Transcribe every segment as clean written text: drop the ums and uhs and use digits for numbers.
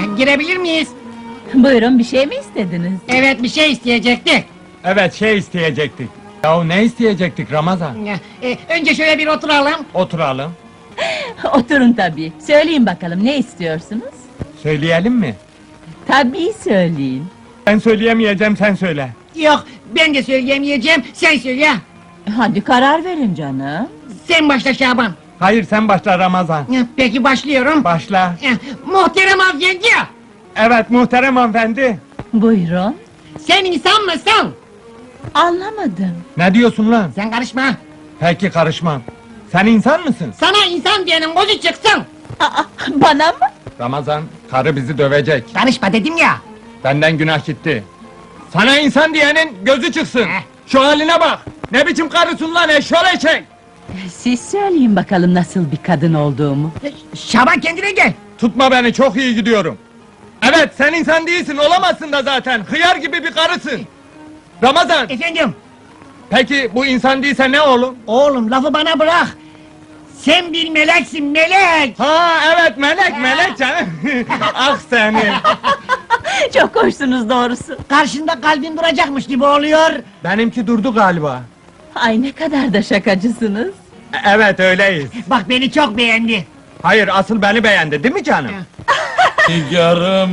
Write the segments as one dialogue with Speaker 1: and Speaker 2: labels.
Speaker 1: Girebilir miyiz?
Speaker 2: Buyurun, bir şey mi istediniz?
Speaker 1: Evet, bir şey isteyecektik.
Speaker 3: Evet, şey isteyecektik. Yahu ne isteyecektik Ramazan?
Speaker 1: Önce şöyle bir oturalım.
Speaker 3: Oturalım.
Speaker 2: Oturun tabii. Söyleyin bakalım, ne istiyorsunuz?
Speaker 3: Söyleyelim mi?
Speaker 2: Tabii söyleyin.
Speaker 3: Ben söyleyemeyeceğim, sen söyle.
Speaker 1: Yok, ben de söyleyemeyeceğim, sen söyle.
Speaker 2: Hadi karar verin canım.
Speaker 1: Sen başla Şaban.
Speaker 3: Hayır, sen başla Ramazan.
Speaker 1: Peki başlıyorum.
Speaker 3: Başla.
Speaker 1: Muhterem hanımefendi,
Speaker 3: Evet, muhterem hanımefendi.
Speaker 2: Buyurun.
Speaker 1: sen insan mısın?
Speaker 2: Anlamadım.
Speaker 3: Ne diyorsun lan?
Speaker 1: Sen karışma.
Speaker 3: Peki, karışmam. Sen insan mısın?
Speaker 1: Sana insan diyenin gözü çıksın.
Speaker 2: Aa, bana mı?
Speaker 3: Ramazan, karı bizi dövecek.
Speaker 1: Karışma dedim ya.
Speaker 3: Benden günah gitti. Sana insan diyenin gözü çıksın. Şu haline bak. Ne biçim karısın lan, eşşoleşek!
Speaker 2: Siz söyleyin bakalım nasıl bir kadın olduğumu.
Speaker 1: Şaban kendine gel.
Speaker 3: Tutma beni, çok iyi gidiyorum. Evet, sen insan değilsin, olamazsın da zaten. Hıyar gibi bir karısın. Ramazan,
Speaker 1: Efendim,
Speaker 3: peki bu insan değilse ne oğlum?
Speaker 1: oğlum lafı bana bırak. Sen bir meleksin, melek.
Speaker 3: Ha evet, melek, melek canım. Ah seni.
Speaker 2: Çok hoşsunuz doğrusu.
Speaker 1: Karşında kalbin duracakmış gibi oluyor.
Speaker 3: Benimki durdu galiba.
Speaker 2: Ay ne kadar da şakacısınız.
Speaker 3: Evet, öyleyiz.
Speaker 1: Bak beni çok beğendi.
Speaker 3: Hayır, asıl beni beğendi, değil mi canım?
Speaker 4: Nigarım.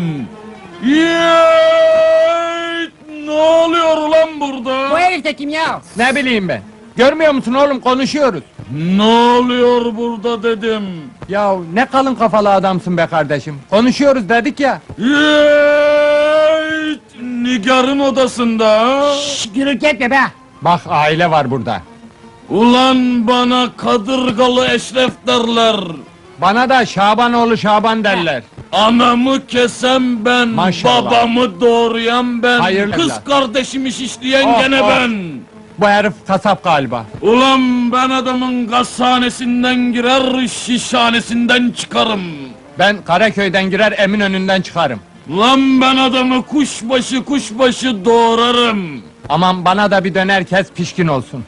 Speaker 4: Yeeey! Ne oluyor ulan
Speaker 1: Bu
Speaker 4: burada?
Speaker 1: herif de kim ya?
Speaker 3: Ne bileyim ben. Görmüyor musun oğlum, konuşuyoruz.
Speaker 4: Ne oluyor burada dedim.
Speaker 3: Ya ne kalın kafalı adamsın be kardeşim. Konuşuyoruz dedik ya.
Speaker 4: Yeeey! Nigar'ın odasında ha?
Speaker 1: Şşş, gürültü etme be.
Speaker 3: Bak, aile var burada.
Speaker 4: Ulan bana kadırgalı eşref derler.
Speaker 3: Bana da Şabanoğlu Şaban derler.
Speaker 4: Anamı kesen ben,
Speaker 3: Maşallah.
Speaker 4: babamı doğrayan ben,
Speaker 3: Hayırlı
Speaker 4: kız
Speaker 3: evlat.
Speaker 4: kardeşimi şişleyen
Speaker 3: Oh,
Speaker 4: gene
Speaker 3: oh.
Speaker 4: ben.
Speaker 3: Bu herif kasap galiba.
Speaker 4: Ulan ben adamın gazhanesinden girer, şişhanesinden çıkarım.
Speaker 3: Ben Karaköy'den girer, Eminönü'nden çıkarım.
Speaker 4: Lan ben adamı kuşbaşı doğrarım.
Speaker 3: Aman bana da bir döner kes, pişkin olsun.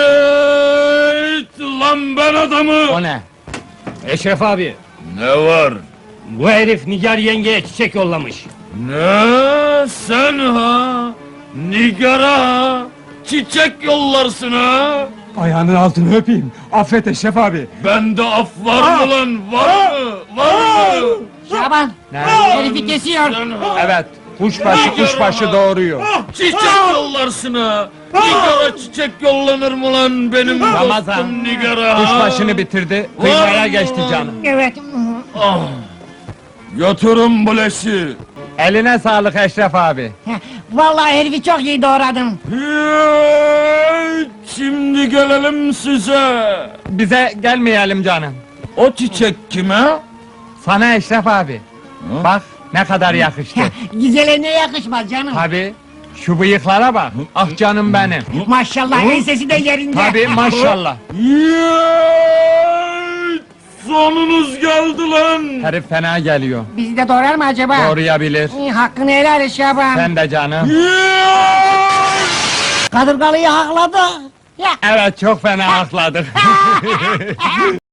Speaker 4: Yeeet! Lan ben adamı...
Speaker 3: O ne?
Speaker 5: Eşref abi,
Speaker 4: Ne var?
Speaker 5: bu herif Nigar yengeye çiçek yollamış.
Speaker 4: Ne? Sen ha? Nigar'a ha? Çiçek yollarsın ha?
Speaker 3: Ayağının altını öpeyim. Affet Eşref abi.
Speaker 4: Bende af var mı lan? Var mı? Var mı?
Speaker 1: Şaban,
Speaker 3: Ne?
Speaker 1: herifi kesiyor.
Speaker 4: Sen ha?
Speaker 3: Evet, kuşbaşı doğuruyor.
Speaker 4: Çiçek yollarsın ha? Nigar'a çiçek yollanır mı lan benim
Speaker 3: Ramazan,
Speaker 4: dostum Nigar'a ha?
Speaker 3: kuşbaşını bitirdi,
Speaker 4: Var
Speaker 3: kıymaya
Speaker 4: mı
Speaker 3: geçti
Speaker 4: lan?
Speaker 3: canım.
Speaker 1: Evet.
Speaker 4: Ah! Götürün bu leşi.
Speaker 3: Eline sağlık Eşref abi.
Speaker 1: Vallahi herifi çok iyi doğradın.
Speaker 4: Yeeey! Şimdi gelelim size.
Speaker 3: Bize gelmeyelim canım.
Speaker 4: O çiçek kime?
Speaker 3: Sana Eşref abi. Bak ne kadar yakıştı.
Speaker 1: Güzele ne yakışmaz canım.
Speaker 3: Tabi, şu bıyıklara bak. Ah canım benim.
Speaker 1: Maşallah ensesi de yerinde.
Speaker 3: Tabi maşallah.
Speaker 4: Yeeey! Sonunuz geldi lan.
Speaker 3: Herif fena geliyor.
Speaker 1: Bizi de doğrar mı acaba?
Speaker 3: Doğrayabilir.
Speaker 1: Hakkını helal et Şaban.
Speaker 3: Sen de canım.
Speaker 4: Yeeey!
Speaker 1: Kadırgalıyı hakladı. Ya.
Speaker 3: Evet, çok fena akladık.